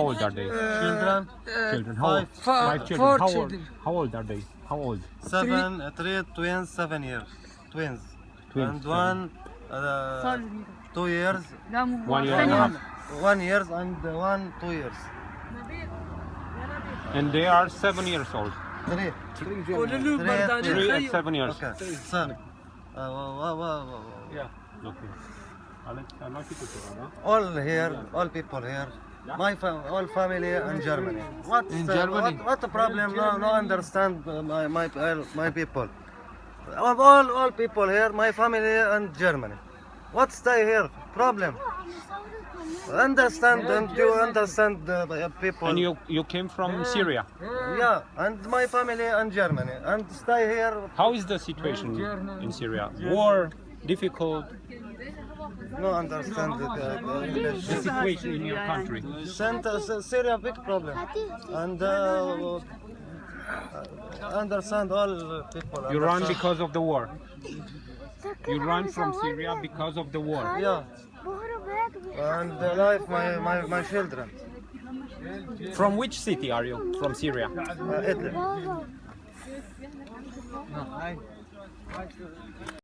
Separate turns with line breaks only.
old are they?
Children,
Children. How old? Five children.
Four
How old?
children.
How old are they? How old?
3 twins, 7 years. Twins.
Twins,
And
seven.
one 2 years,
1 year and a half.
1 years and one 2 years.
And they are 7 years old.
3.
قولوا له برداني
3 and
خيو
7 years.
Okay. Son.
Yeah. Okay. I'll like you to do that.
All here, all people here. All family in Germany.
In Germany?
What the problem? No understand my people. All people here, my family in Germany. What stay here? Problem. Understand and you understand the people.
And you came from Syria.
Yeah, and my family in Germany and stay here.
How is the situation in Syria? War, difficult.
No understand the English.
The situation in your country.
Syria big problem and understand all people.
You run
understand.
because of the war. You run from Syria because of the war.
Yeah, and life my children.
From which city are you? From Syria.
Italy.